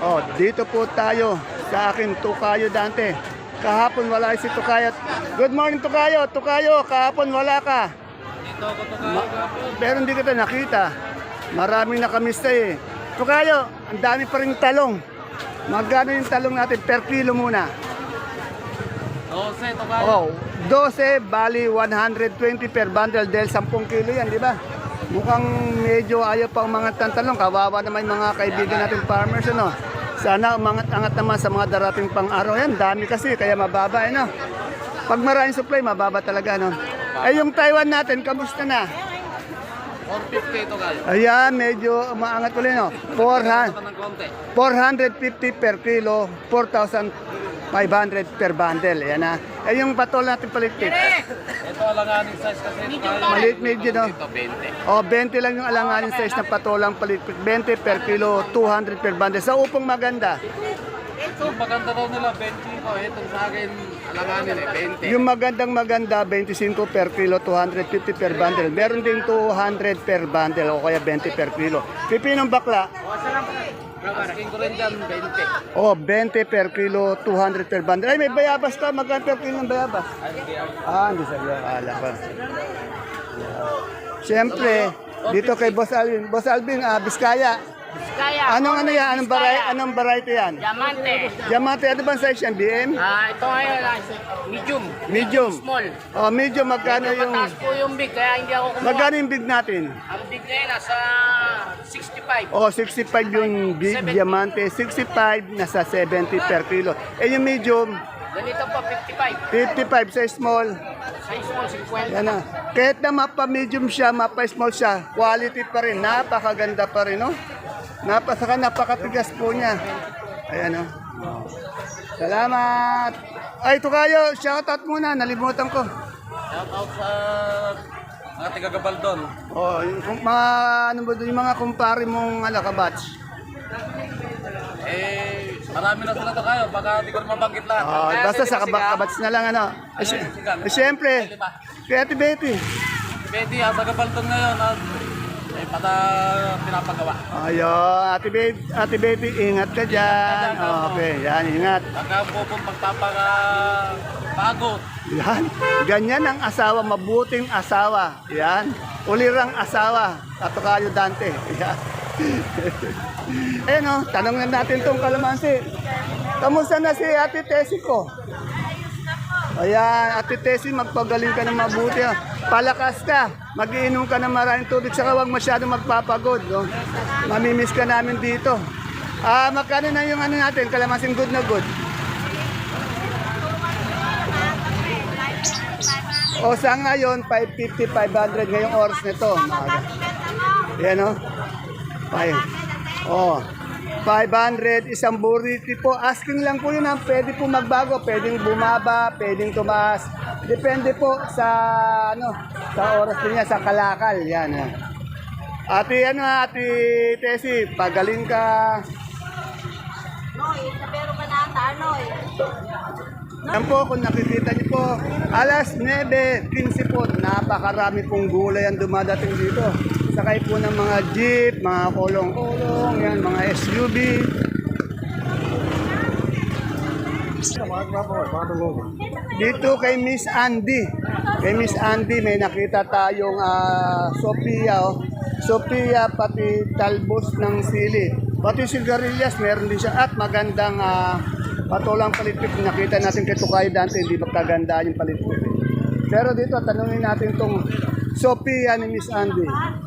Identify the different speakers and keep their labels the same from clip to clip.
Speaker 1: Oh, dito po tayo sa akin Tukayo Dante. Kahapon wala si Tukayo. Good morning Tukayo. Tukayo, kahapon wala ka.
Speaker 2: Dito ako to kahapon.
Speaker 1: Pero hindi kita nakita. Maraming nakamista eh. Tukayo, ang dami pa rin talong. Magkano yung talong natin per kilo muna?
Speaker 2: 12 to kayo.
Speaker 1: Oh, 12 bali 120 per bundle dahil 10 kilo yan, di ba? Mukhang medyo ayaw pa umangat ng talong. Kawawa naman yung mga kaibigan natin farmers, ano? Sana umangat-angat naman sa mga darating pang araw. Yan, dami kasi, kaya mababa, ano? Pag maraming supply, mababa talaga, no? Eh, yung Taiwan natin, kamusta na?
Speaker 2: 450 to kayo.
Speaker 1: Ayan, medyo umaangat ulit, no? 400,
Speaker 2: Ito ng konti.
Speaker 1: 450 per kilo, 4,500 per bundle. Ayan na. Eh, yung patol natin palikpik.
Speaker 2: Ito alanganing size kasi ito kayo.
Speaker 1: Maliit medyo, no?
Speaker 2: Ito 20.
Speaker 1: O, 20 lang yung alanganin size na patolang palikpik. 20 per kilo, 200 per bundle. Sa upong maganda.
Speaker 2: Yung maganda daw nila 20 ko. Itong sa akin alanganin 20.
Speaker 1: Yung magandang maganda, 25 per kilo, 250 per bundle. Meron din 200 per bundle o kaya 20 per kilo. Pipinong bakla,
Speaker 2: Asking ko rin dyan 20.
Speaker 1: o 20 per kilo, 200 per bundle. Ay, may bayabas ka. Magkano per kilo ng bayabas? Hindi sabi. Akala ko. Siyempre, dito kay Boss Alvin. Boss Alvin, Biskaya.
Speaker 3: Kaya,
Speaker 1: Anong variety yan?
Speaker 3: diamante.
Speaker 1: Diamante, ano bang size yan? BM?
Speaker 3: Ito ngayon, medium.
Speaker 1: Medium.
Speaker 3: Small.
Speaker 1: Oh, medium, magkano yung...
Speaker 3: Mataas po yung big, kaya hindi ako kumuha.
Speaker 1: Magkano yung big natin?
Speaker 3: Ang big na yun, nasa 65.
Speaker 1: Oh, 65 yung big
Speaker 3: 70.
Speaker 1: diamante, 65 nasa 70 per kilo. Eh yung medium,
Speaker 3: Ganito po, 55.
Speaker 1: 55 sa small.
Speaker 3: Size small, 50.
Speaker 1: Yan na. Kahit na mapa-medium siya, mapa-small siya, quality pa rin. Napakaganda pa rin, no? Napakatigas po niya. Ayan, no? Salamat! Ay, Tukayo, shoutout muna. Nalimutan ko.
Speaker 2: Shout out sa mga taga-Gabaldon.
Speaker 1: Oh, yung mga, ano ba, yung mga kumpare mong kabatch.
Speaker 2: Marami na sila to kayo. Baka di ko na mabanggit lahat.
Speaker 1: Oh,
Speaker 2: Kaya
Speaker 1: basta
Speaker 2: si
Speaker 1: sa
Speaker 2: Siga,
Speaker 1: kabats na lang, ano? Siyempre, kaya Betty.
Speaker 2: Betty, ang taga-Gabaldon ngayon. Pata pinapagawa.
Speaker 1: Ayun, Ate Betty, ingat ka dyan. Okay, yan, ingat.
Speaker 2: Baka po pong pagpapagod.
Speaker 1: Yan, ganyan ang asawa, mabuting asawa. Yan, ulirang asawa. Tukayo Dante. Yan. Ayun, tanong na natin tong kalamansi. Kamusta na si Ate Tessie ko? Ayan, Ate Tessie, magpagaling ka ng mabuti. Palakas ka, magiinom ka ng maraming tubig, saka huwag masyadong magpapagod. No? Mamimiss ka namin dito. Magkano na yung ano natin, kalamansin good na good? O sa ngayon, 550, 500 ngayong oras nito. Yan o. 500, isang burrito po. Asking lang po yun. Pwede po magbago. Pwedeng bumaba, pwedeng tumaas. Depende po sa sa oras niya, sa kalakal. Yan. Ate Tessie, pagaling ka.
Speaker 4: Pero ka na Noy.
Speaker 1: Yan po, kung nakikita niyo po, alas 9:15 po, napakarami pong gulay ang dumadating dito. Sakay po ng mga jeep, mga kolong-kolong, yan, mga SUV. Dito kay Miss Andy. Kay Miss Andy, may nakita tayong Sophia. Sophia, pati talbos ng sili. Pati sigarilyas, meron din siya. At magandang patolang palitpik. Nakita natin kay Tukayo Dante, hindi ba kagandaan yung palitpik. Pero dito, tanungin natin itong Sophia ni Miss Andy.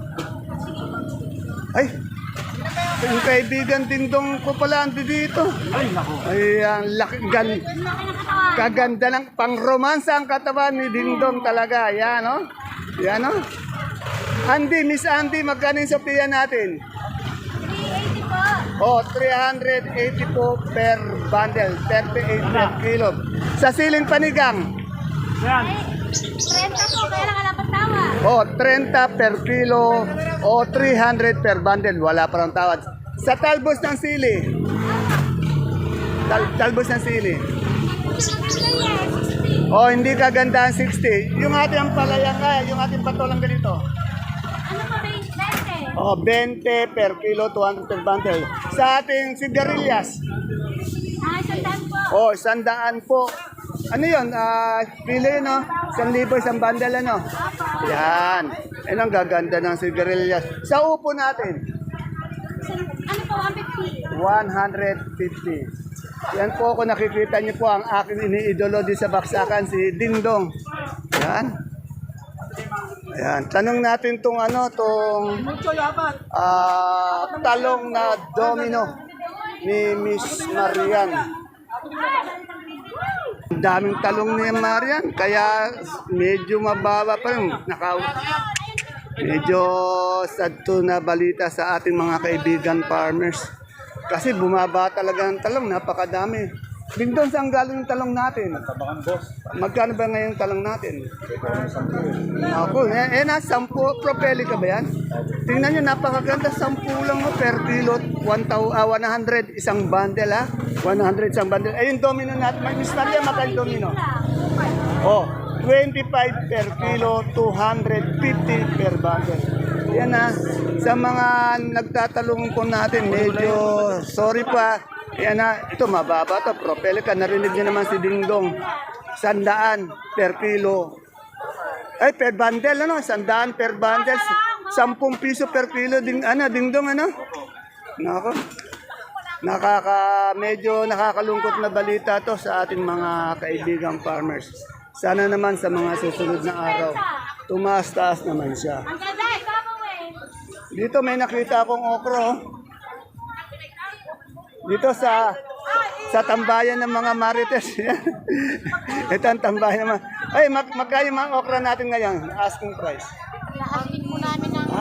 Speaker 1: Ay, yung kaibigan dingdong ko pala andi dito. Ay, naku. Ay, ang kaganda ng pang-romansa ang katawan ni Dingdong talaga. Yan, no? Yan, no? Andy, Miss Andy, magkano yung Sophia natin?
Speaker 4: 380 po.
Speaker 1: Oh, 380 po per bundle, 38 per kilo. Sa siling panigang?
Speaker 4: Ay, 30 po, kaya lang alam tawa.
Speaker 1: Oh, 30 per kilo o 300 per bundle. Wala pa rin tawad. Sa talbos ng sili? Talbos ng sili? Oh, hindi kaganda ang 60. Yung ating palaya nga, yung ating patolang ganito.
Speaker 4: Ano pa ba yung 20?
Speaker 1: O, 20 per kilo, 200 per bundle. Sa ating sigarilyas,
Speaker 4: Sandaan po.
Speaker 1: o, 100 po. Ano yun? Kilo yun, no? 1,000 isang bundle, ano? Yan. Yan ang gaganda ng sigarilyas. Sa upo natin,
Speaker 4: Ano po, 150?
Speaker 1: 150. Yan po, kung nakikita niyo po ang aking iniidolo di sa baksakan, si Dingdong. Yan. Ayan. Tanong natin tong talong na domino ni Miss Marian. Ang daming talong ni Marian, kaya medyo mababa pa rin. Medyo sad to na balita sa ating mga kaibigan farmers. Kasi bumaba talaga ng talong, napakadami. Dingdong, saan galing yung talong natin? Magkano ba ngayon yung talong natin? Ako, na 10 propeli ka ba yan? Tingnan nyo, napakaganda, 10 lang mo per kilo, 100 isang bundle ha? 100 isang bundle. Eh yung domino natin, Miss Maria, magkano domino? Oh, 25 per kilo, 250 per bundle. Yan na, sa mga nagtatalong po natin, medyo sorry pa. Yan na, ito mababa to, propelli ka, narinig niyo naman si Dingdong. 100 per kilo. Ay, per bundle, ano? 100 per bundle. 10 piso per kilo, Dingdong, ano? Nako. Medyo nakakalungkot na balita to sa ating mga kaibigang farmers. Sana naman sa mga susunod na araw, tumaas-taas naman siya.
Speaker 4: Ang ganda, ikaw mo eh.
Speaker 1: Dito may nakita akong okro. Dito sa tambayan ng mga marites. Ito ang tambayan ng mga... Ay, magkano yung mga okra natin ngayon? Asking price.
Speaker 4: Asking mo namin ng...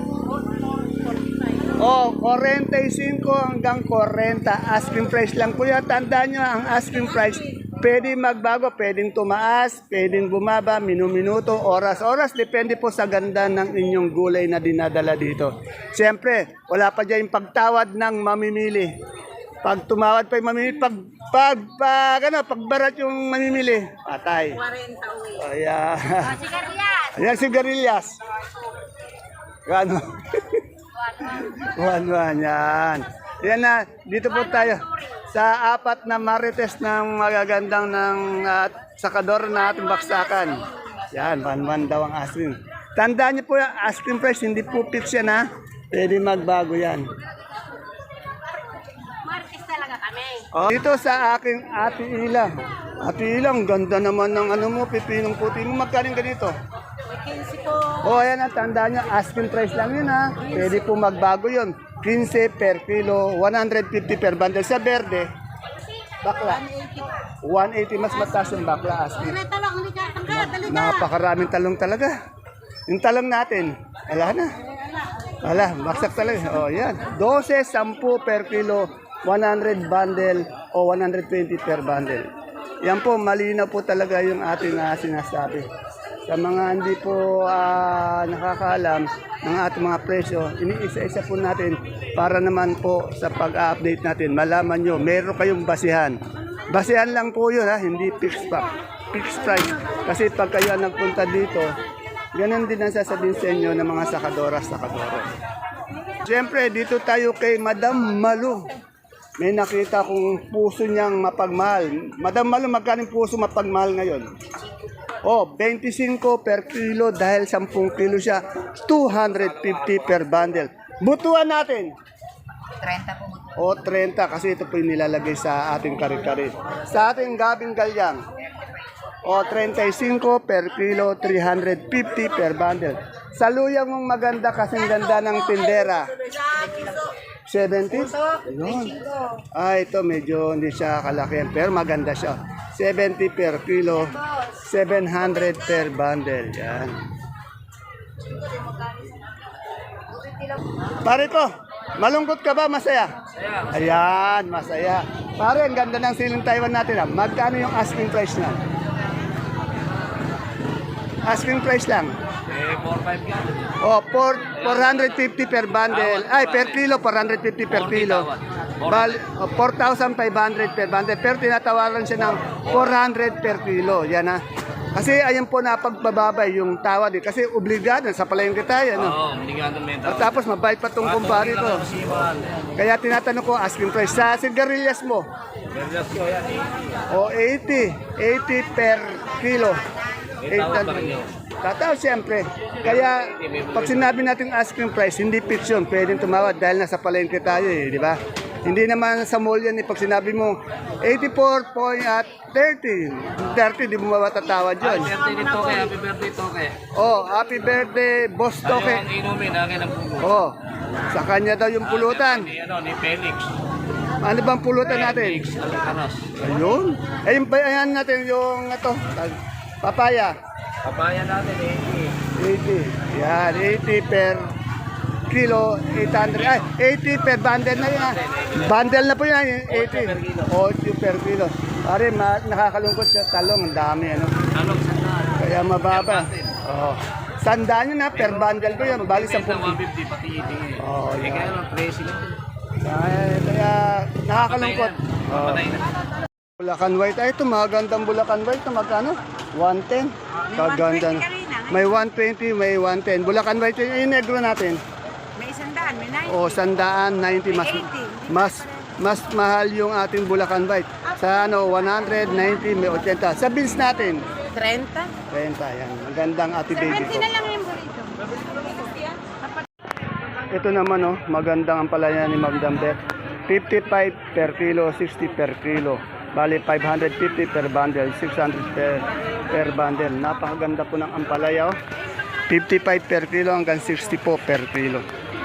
Speaker 1: Oh, 45 hanggang 40. Asking price lang po yan. Tandaan nyo, ang asking price, pwede magbago, pwedeng tumaas, pwedeng bumaba, minuto, oras. Depende po sa ganda ng inyong gulay na dinadala dito. Siyempre, wala pa dyan yung pagtawad ng mamimili. Pag tumawad pa yung mamimili, pagbarat yung mamimili, patay. 40 Ayan.
Speaker 4: Sigarilyas.
Speaker 1: Ayan, sigarilyas. Gano? 1-1, yan. Yan na, dito po tayo sa apat na marites ng magagandang ng sakador na ating baksakan. Yan, 1-1 daw ang asking. Tandaan niyo po yung asking price, hindi po fix yan ha. Pwede magbago yan.
Speaker 4: Martes talaga kami.
Speaker 1: Oh, dito sa aking Ate Ila. Ate Ila, ang ganda naman ng ano mo, pipinong puti mo. Magkaling ganito?
Speaker 4: 15 po.
Speaker 1: Oh, ayan ang tandaan nyo, asking price lang yun ha. Pwede po magbago yun. 15 per kilo, 150 per bundle. Sa verde, bakla. 180, mas mataas yung bakla asking.
Speaker 4: Talong, hindi ka tanggal, dali ka.
Speaker 1: Napakaraming talong talaga. Yung talong natin, wala na. Wala, baksak talaga. Oh, yan. 12, 10 per kilo, 100 bundle o 120 per bundle. Yan po, malinaw po talaga yung ating sinasabi. Sa mga hindi po nakakaalam ng ating mga presyo, iniisa-isa po natin para naman po sa pag-update natin, malaman nyo, meron kayong basihan. Basihan lang po yun, hindi fixed price. Kasi pag kayo nagpunta dito, ganun din ang sasabihin sa inyo ng mga sakadora. Siyempre, dito tayo kay Madam Malu. May nakita kong puso niyang mapagmahal. Madam Malu, magkano puso mapagmahal ngayon? Oh, 25 per kilo dahil 10 kilo siya, 250 per bundle. Butuan natin.
Speaker 4: 30 po.
Speaker 1: O 30 kasi ito po yung nilalagay sa ating kare-kare. Sa ating gabing galyang. O 35 per kilo, 350 per bundle. Sa luyang mong maganda kasing ganda ng tindera. 70? Ayun. Ito medyo hindi siya kalakihan pero maganda siya. 70 per kilo, 700 per bundle. Yan. Pare ko, malungkot ka ba? Masaya? Ayan, masaya. Pare, ang ganda ng siling Taiwan natin. Magkano yung asking price na? Asking price lang.
Speaker 2: 4-5 ka.
Speaker 1: Oh, 450 per bundle. Ay, per kilo, 450 per kilo. 4,500 per bundle. Pero tinatawaran siya ng 400 per kilo. Yan ha. Kasi ayan po napagbababay yung tawad eh. Kasi obligado sa palengke tayo. No?
Speaker 2: Oo, hindi nga naman
Speaker 1: At tapos mabait pa tong kumpare ko. Kaya tinatanong ko, asking price sa sigarilyas mo. O 80 per kilo. 800. Tataw siyempre. Kaya pag sinabi natin asking price, hindi fix yun. Pwedeng tumawad dahil nasa palengke tayo eh, di ba? Hindi naman sa mall yan eh. Pag sinabi mo 30, di mo matatawad yun.
Speaker 2: Birthday ni Toke, happy birthday Toke.
Speaker 1: Oh, happy birthday, Boss
Speaker 2: Tayo
Speaker 1: Toke.
Speaker 2: ang inumin, akin ang pugo.
Speaker 1: Oh, sa kanya daw yung pulutan.
Speaker 2: Ni Felix.
Speaker 1: Ano bang pulutan natin?
Speaker 2: Felix Alcaraz.
Speaker 1: Ayun. Ayun pa yan natin yung ito, papaya.
Speaker 2: Papaya natin
Speaker 1: 80. Yan, 80 per kilo, 800. Ay, 80 per bundle na yan. Bundle na po yan, 80. 80 per kilo. Pare, nakakalungkot siya talong, ang dami ano.
Speaker 2: Anong sandaan?
Speaker 1: Kaya mababa. Oh. Sandaan yun na, per bundle ko yan. Bali 10.
Speaker 2: 150 pati eating eh.
Speaker 1: Oh,
Speaker 2: Eh
Speaker 1: yan.
Speaker 2: kaya lang, 13 lang.
Speaker 1: Kaya nakakalungkot. Oh.
Speaker 2: Patay na.
Speaker 1: Bulacan White. Ay, ito magandang Bulacan White. Ito magkano? 110. Kaganda. May 120, may 110. Bulacan White yung negro natin.
Speaker 5: May 100, may 90.
Speaker 1: O, 190. Mas mahal yung ating Bulacan White. Sa ano, 190, may 80. Sa beans natin,
Speaker 5: 30.
Speaker 1: 30. Yan. Magandang ate baby ko.
Speaker 5: 70 na lang yung burrito.
Speaker 1: Ito naman, oh, magandang ang palaya ni Ma'am Dambet. 55 per kilo, 60 per kilo. Bali, 550 per bundle, 600 per bundle. Napakaganda po ng ampalaya. Oh. 55 per kilo hanggang 60 po per kilo.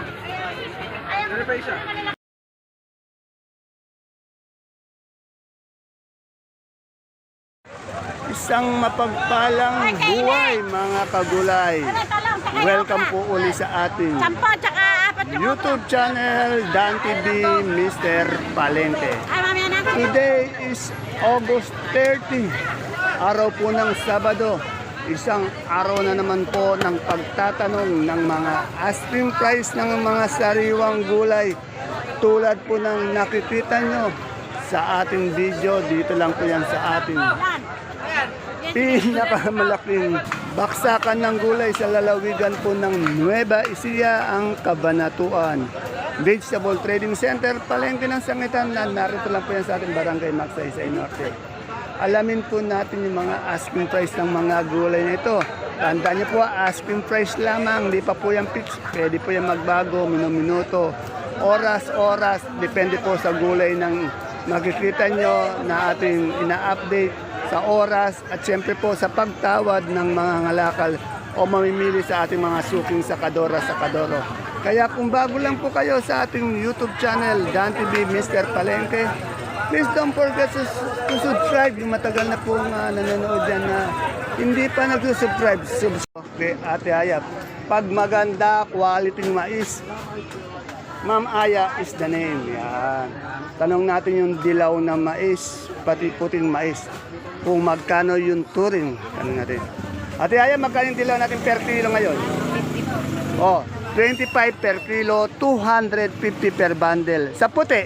Speaker 1: Isang mapagpalang buhay mga kagulay. Welcome po uli sa ating
Speaker 5: Sampo, tsaka apat yung
Speaker 1: YouTube channel Dan TV Mr. Palente.
Speaker 5: Ay, mamaya na.
Speaker 1: Today is August 30, araw po ng Sabado. Isang araw na naman po ng pagtatanong ng mga asking price ng mga sariwang gulay. Tulad po ng nakikita nyo sa ating video, dito lang po yan sa ating pinakamalaking baksakan ng gulay sa lalawigan po ng Nueva Ecija, ang Cabanatuan Vegetable Trading Center, Palengke ng Sangitan. Narito lang po yan sa ating barangay Magsaysay Norte. Alamin po natin yung mga asking price ng mga gulay na ito. Tandaan niyo po, asking price lamang, hindi pa po yan fix. Pwede po yan magbago, minuto, oras, depende po sa gulay ng makikita nyo na ating ina-update sa oras at siyempre po sa pagtawad ng mga ngalakal o mamimili sa ating mga suking sakadora, sakadoro. Kaya kung bago lang po kayo sa ating YouTube channel, Dan TV Mr. Palengke, please don't forget to subscribe. Yung matagal na po nanonood dyan na hindi pa nag-subscribe. Okay, Ate Aya, pag maganda, quality mais, Ma'am Aya is the name. Yan. Tanong natin yung dilaw na mais, pati puting mais. Kung magkano yung turing. Tanong natin. Ate Aya, magkano yung dilaw natin per kilo ngayon? 50 po. Oh, 25 per kilo, 250 per bundle. Sa puti?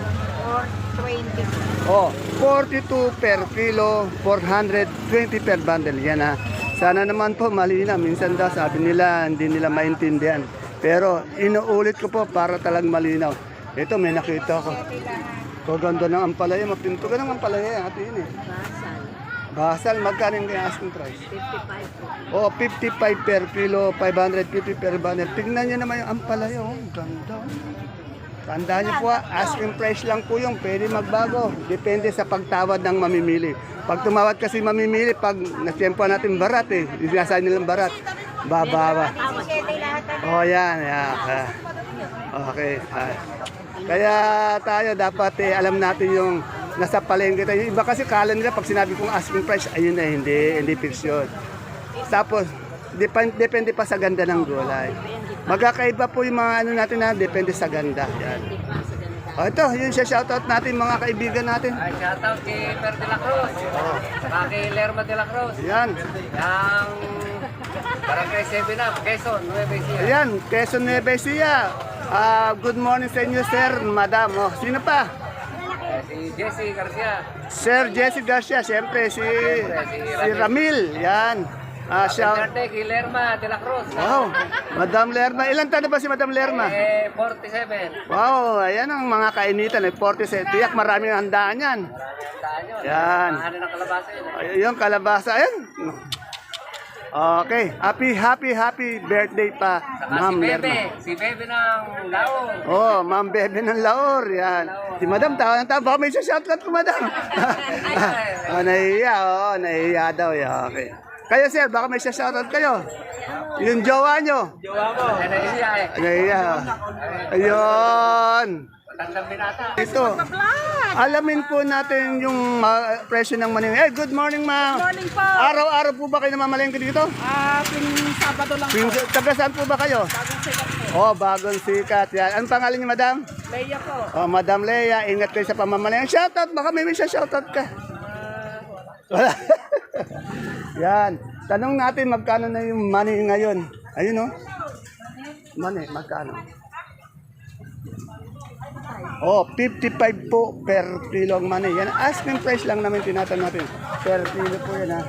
Speaker 5: 20.
Speaker 1: Oh, 42 per kilo, 420 per bundle. Yan ha. Sana naman po malina. Minsan daw sabi nila hindi nila maintindihan. Pero inuulit ko po para talagang malinaw. Ito may nakita ko. Kaganda ng ampalaya. Mapinto ka ng ampalaya. Ate yun eh. Basal, magkano yung asking price?
Speaker 5: 55 po.
Speaker 1: Oh, 55 per kilo, 550 per bundle. Tingnan nyo naman yung ampalaya. Oh, ganda. Tandaan niyo po, asking price lang po yung pwede magbago. Depende sa pagtawad ng mamimili. Pag tumawad kasi mamimili, pag nasyempoan natin barat eh, sinasabi nilang barat, bababa. Oh, yan. Yeah. Okay. Kaya tayo dapat alam natin yung nasa palengke tayo. Yung iba kasi kala nila pag sinabi kong asking price, ayun na, hindi fix yun. Tapos, depende pa sa ganda ng gulay. Magkakaiba po yung mga ano natin na depende sa ganda. Yan. O ito, yun siya shoutout natin mga kaibigan natin.
Speaker 3: Ay, shoutout kay Per de la Cruz. Saka kay Lerma de la Cruz.
Speaker 1: Yan.
Speaker 3: Yang Barangay 7 Up, Quezon, Nueva Ecija.
Speaker 1: Ayan, Quezon Nueva Ecija. Good morning sa inyo, sir, madam. Oh, sino pa?
Speaker 3: Si Jesse Garcia.
Speaker 1: Sir Jesse Garcia, siyempre si Ramil. Yan. Siya.
Speaker 3: Duterte, Guillermo de la Cruz.
Speaker 1: Wow, Madam Lerma. Ilan taon na ba si Madam Lerma?
Speaker 3: 47.
Speaker 1: Wow, ayan ang mga kainitan. 47. Tiyak maraming handaan yan. Yan.
Speaker 3: Mahal ng kalabasa yun.
Speaker 1: Yung kalabasa. Ayan. Okay. Happy birthday pa,
Speaker 3: Saka
Speaker 1: Ma'am
Speaker 3: si Bebe.
Speaker 1: Lerma.
Speaker 3: Si Bebe ng Laon.
Speaker 1: Oh, Ma'am Bebe ng Laor. Yan. Si Madam, tawa ng tawa. Baka may shoutout ko, Madam. Nahiya daw. Yeah, okay. Kayo, sir, baka may shoutout kayo. Yung jowa nyo.
Speaker 3: Nahiya eh.
Speaker 1: Nahiya. Ayun.
Speaker 3: Matandang binata.
Speaker 1: Ito. Alamin po natin yung presyo ng maning. Good morning, ma'am.
Speaker 5: Morning po.
Speaker 1: Araw-araw po ba kayo namamalengke dito?
Speaker 5: Tuwing Sabado lang po.
Speaker 1: Taga saan po ba kayo?
Speaker 5: Bagong sikat po.
Speaker 1: Oh, bagong sikat. Yan. Anong pangalan niyo, madam?
Speaker 5: Leia po.
Speaker 1: Oh, Madam Leia, ingat kayo sa pamamalengke. Shoutout, baka may wish shoutout ka. Wala. Yan. Tanong natin magkano na yung money ngayon. Ayun, oh. Money, magkano? Oh, 55 po per kilo ang money. Yan, asking price lang namin tinatanong natin. Per kilo po yan, ha.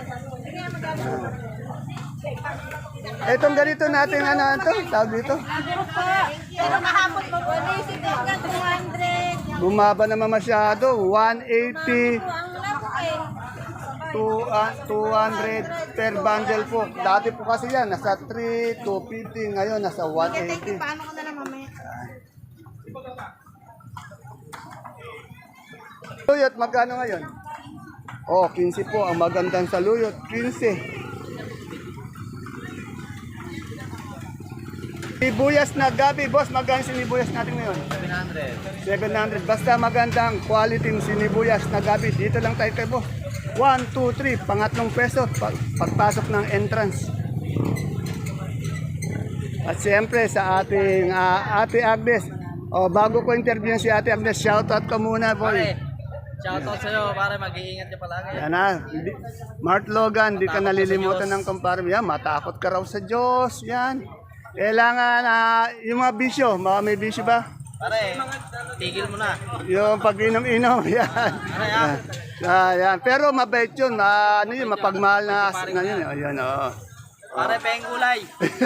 Speaker 1: Itong ganito natin, ano ito? Tawag dito?
Speaker 4: Pero kahapon po, si Teka, 200.
Speaker 1: Bumaba naman masyado. 180
Speaker 4: Ang laro eh.
Speaker 1: to 200 per bundle po. Dati po kasi yan, nasa 3, 250. Ngayon, nasa 180.
Speaker 4: Paano ko na lang mamaya?
Speaker 1: Luyot, magkano ngayon? Oh, 15 po. Ang magandang sa luyot, 15. Sibuyas na gabi, boss. Magkano sinibuyas natin ngayon? 700. 700. Basta magandang quality sinibuyas na gabi. Dito lang tayo kay boss. 1, 2, 3. Pangatlong peso. Pagpasok ng entrance. At siyempre sa ating Ate Agnes. Oh, bago ko interview si Ate Agnes, shoutout ka muna, boy.
Speaker 6: Shoutout sa'yo, pare, mag-iingat ka palagi.
Speaker 1: Yan na. Mart Logan, di ka nalilimutan ng kumpare. Yan, matakot ka raw sa Diyos. Yan. Kailangan, yung mga bisyo, mga may bisyo ba?
Speaker 6: Pare, tigil mo na.
Speaker 1: Yung pag-inom-inom, yan. Yan. Pero mabait yun. Ano yun, mapagmahal na yun. Ayan, oo.
Speaker 6: Pare, peng gulay.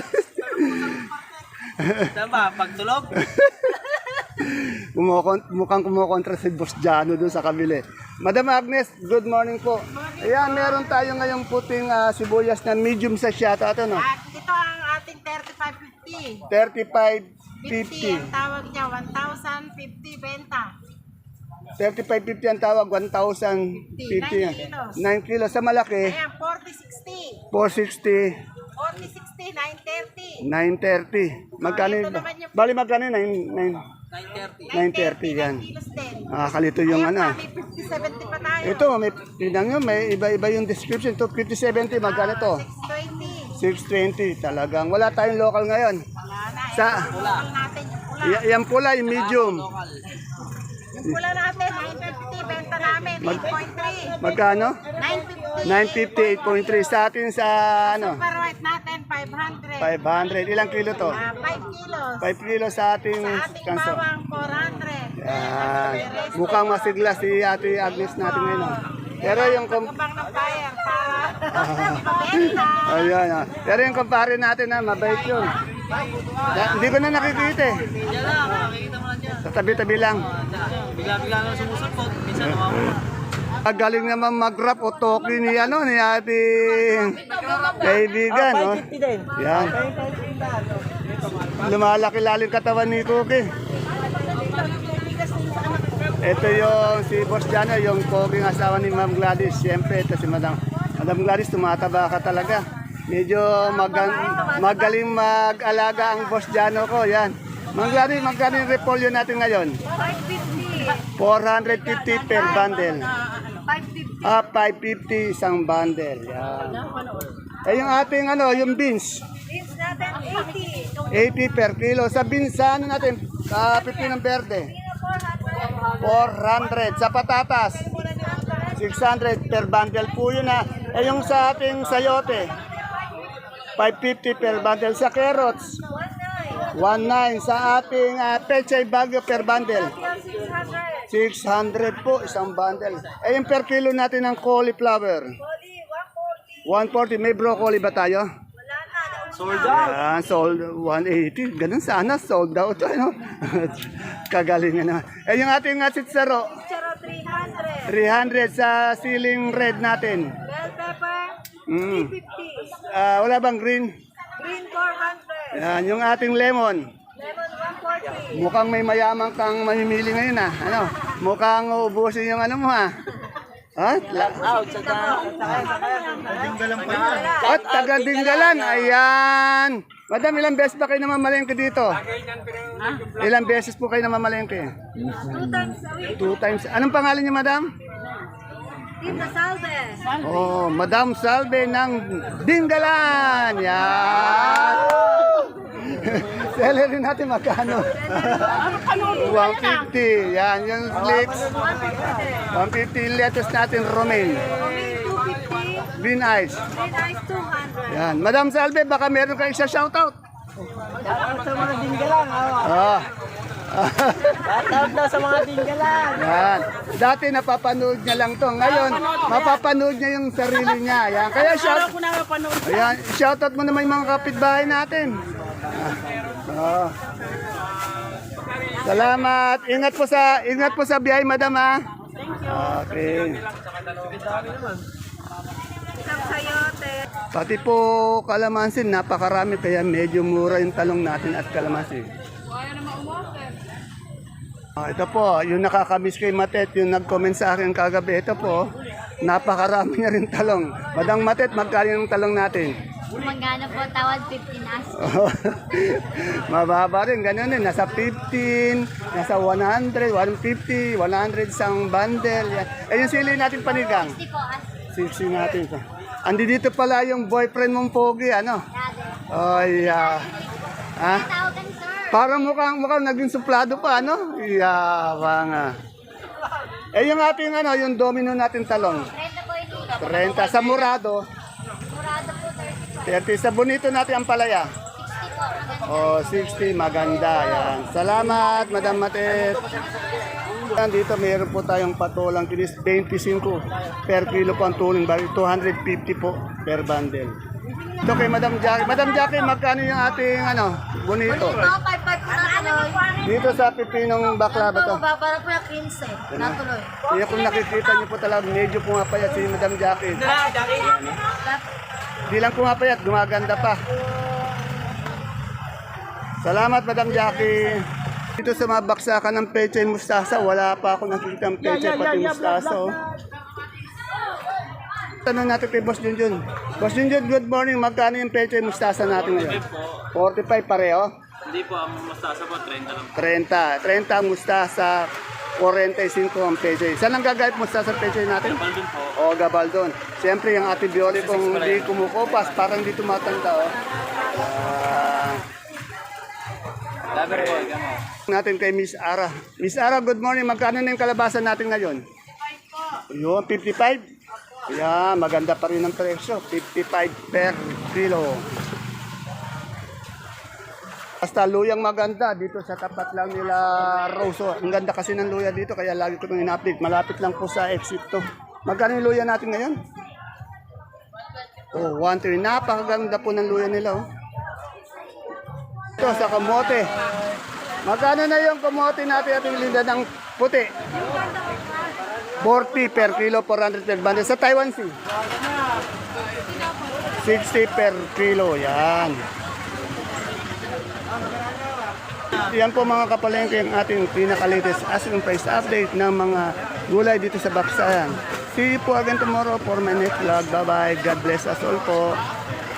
Speaker 6: Saan ba? Pagtulog?
Speaker 1: Mukhang kumukontra si Boss Jano doon sa kabili. Madam Agnes, good morning po. Ayan, meron tayo ngayong puting sibuyas na medium sa siyato. Ito, no?
Speaker 5: At ito ang ating 35.50.
Speaker 1: 35.50.
Speaker 5: Ang tawag niya, 1,050 benta.
Speaker 1: 35.50 ang tawag, 1,050 yan.
Speaker 5: 9 kilos.
Speaker 1: 9 kilos. Sa malaki,
Speaker 5: Ayan, 40.60.
Speaker 1: 460,
Speaker 5: 40.60, 930.
Speaker 1: 930. Magkano
Speaker 5: ito
Speaker 1: yun?
Speaker 5: naman yung-
Speaker 1: Bali, magkano yun?
Speaker 6: 9:30.
Speaker 1: 930 yan.
Speaker 5: 9 kilos din.
Speaker 1: Kalito yung
Speaker 5: Ayan
Speaker 1: ano.
Speaker 5: pa, may 50-70 pa tayo.
Speaker 1: Ito, may pinang yun, may iba-iba yung description. Ito, 50-70, magkano to?
Speaker 5: 620.
Speaker 1: 620. Talagang wala tayong local ngayon.
Speaker 5: Wala na.
Speaker 1: Sa,
Speaker 5: Pula natin yung pula.
Speaker 1: yan pula, yung medium.
Speaker 5: Yung pula natin, 950. Benta namin, 8.3.
Speaker 1: Magkano?
Speaker 5: 950.
Speaker 1: 950, 8.3. Sa atin sa ano?
Speaker 5: Super white natin, 500.
Speaker 1: 500. Ilang kilo to?
Speaker 5: 5 kilos.
Speaker 1: 5 kilo sa ating
Speaker 5: Sa ating
Speaker 1: kanso.
Speaker 5: bawang, 400.
Speaker 1: Yan. Mukhang masigla si Ate Agnes natin ngayon. Pero yung
Speaker 5: Pagkabang ng fire para mabenta.
Speaker 1: Ayan, pero yung kumpare natin na mabait yun. Hindi ko na nakikita eh.
Speaker 6: Diyan lang, makikita mo lang dyan.
Speaker 1: Sa tabi-tabi lang.
Speaker 6: Bigla-bigla lang sumusulpot. Minsan nawawala.
Speaker 1: Galing naman mag-rap o toki ni ano ni ating kaibigan, no? Yan. Lumalaki lalim katawan ni Cookie. Ito yung si Boss Jano, yung Cookie asawa ni Ma'am Gladys. Siyempre, ito si Madam Gladys, tumataba ka talaga. Medyo magaling mag-alaga ang Boss Jano ko. Yan. Ma'am Gladys, magkano yung repolyo natin ngayon? 450 per bundle. 550 isang bundle. Yan. Eh yung ating ano, yung beans.
Speaker 5: Beans natin,
Speaker 1: 80
Speaker 5: 80.
Speaker 1: per kilo. Sa beans, sa ano natin? Pipinong verde. 400. Sa patatas, 600 per bundle po yun ha. Eh yung sa ating sayote, 550 per bundle. Sa carrots, 19. Sa ating pechay bagyo per bundle, 600 po, isang bundle. Eh, yung per kilo natin ng cauliflower. 140. May broccoli ba tayo?
Speaker 6: Sold out.
Speaker 1: Yan, sold 180. Ganun sana, sold out. Ano? Kagalingan naman. Eh, yung ating sitsaro,
Speaker 5: Charo 300.
Speaker 1: 300 sa ceiling red natin.
Speaker 5: Bell pepper,
Speaker 1: Mm.
Speaker 5: 350.
Speaker 1: Wala bang green?
Speaker 5: Green 400.
Speaker 1: Yan, yung ating lemon.
Speaker 5: Lemon 140.
Speaker 1: Mukhang may mayaman kang mamimili ngayon ah. Ano? Mukhang uubusin yung ano mo ah. Ha?
Speaker 6: Out sa
Speaker 1: At taga Dinggalan. Ayan. Madam, ilang beses ba kayo namamalengke dito? Ilang beses po kayo namamalengke?
Speaker 5: 2 times a week.
Speaker 1: 2 times. Anong pangalan niyo, madam?
Speaker 5: Tita Salve.
Speaker 1: Oh, Madam Salve ng Dinggalan. Yan. Celery natin magkano? 150. Yan, yung leeks. 150 lettuce natin, romaine.
Speaker 5: Romaine 250.
Speaker 1: Green ice.
Speaker 5: Green ice 200.
Speaker 1: Yan. Madam Salve, baka meron kayong isa shoutout.
Speaker 6: Shoutout sa mga dinggalan.
Speaker 1: Ah.
Speaker 6: Shoutout daw sa mga dinggalan.
Speaker 1: Yan. Dati napapanood niya lang to. Ngayon, mapapanood niya yung sarili niya. Yan. Kaya ayan, shoutout mo naman yung mga kapitbahay natin. Ah. Salamat. Ingat po sa biyahe, madam ha. Okay.
Speaker 5: Isang sayote.
Speaker 1: Pati po kalamansin, napakarami kaya medyo mura yung talong natin at kalamansin. Ito po, yung nakakamiss kay Matet, yung nag-comment sa akin kagabi, ito po, napakarami na rin talong. Madang Matet, magkano yung talong natin?
Speaker 4: Magkano po tawad 15 as?
Speaker 1: Mababa rin, ganun din, nasa 15, nasa 100, 150, 100 isang bundle. Yan. Eh yung sili natin panigang,
Speaker 4: 60 po as.
Speaker 1: 60 natin. Andi dito pala yung boyfriend mong pogi, ano?
Speaker 4: Dati.
Speaker 1: Oh, yeah. Ha?
Speaker 4: Tawagan sir.
Speaker 1: Parang mukhang naging suplado pa, ano? Yabang ah. Eh yung ating yung domino natin talong.
Speaker 4: 30 po ito.
Speaker 1: 30 sa murado,
Speaker 4: Murado po
Speaker 1: 30
Speaker 4: 30.
Speaker 1: sa bonito natin ang palaya.
Speaker 4: 60 po. Maganda.
Speaker 1: Oh, 60 maganda yan. Salamat, Madam Matet. Dito mayroon po tayong patolang kinis 25 per kilo po ang tuling bali 250 po per bundle. Ito kay Madam Jackie. Madam Jackie, magkano yung ating bonito?
Speaker 4: Ito, 5 po natuloy.
Speaker 1: Dito sa pipinong bakla ba to?
Speaker 4: Para po yung 15. Natuloy.
Speaker 1: Kaya kung nakikita niyo po talaga, medyo pumapayat si Madam Jackie. Di lang pumapayat, gumaganda pa. Salamat, Madam Jackie. Dito sa mga baksakan ng peche mustasa, wala pa ako nakikita ng peche pati mustasa. Oh. Tanong natin kay Boss Junjun. Boss Junjun, good morning. Magkano yung peche mustasa natin ngayon? 45 pareho?
Speaker 6: Hindi po, ang mustasa po, 30 lang.
Speaker 1: 30. 30 ang mustasa, 45 ang peche. Saan ang gagayip mustasa peche natin?
Speaker 6: Baldun po.
Speaker 1: O, Gabaldon. Siyempre, yung ate Bioli kung hindi kumukupas, parang hindi tumatanda. Oh.
Speaker 6: Laber po, gano'n.
Speaker 1: Natin kay Miss Ara. Miss Ara, good morning. Magkano na yung kalabasan natin ngayon? 55 po. Yun, 55? Yeah, maganda pa rin ang presyo. 55 per kilo. Basta luyang maganda dito sa tapat lang nila Roso. Ang ganda kasi ng luya dito kaya lagi ko itong in-update. Malapit lang po sa exit to. Magkano yung luya natin ngayon? Oh, 1-3. Napakaganda po ng luya nila. Oh. Ito sa kamote. Magkano na yung kamote natin at yung linda ng puti? 40 per kilo, 400 per bundle. Sa Taiwan Sea? 60 per kilo. Yan. Yan po mga kapalengke ang ating pinaka-latest asking price update ng mga gulay dito sa Baksayan. See you po again tomorrow for my next vlog. Bye-bye. God bless us all po.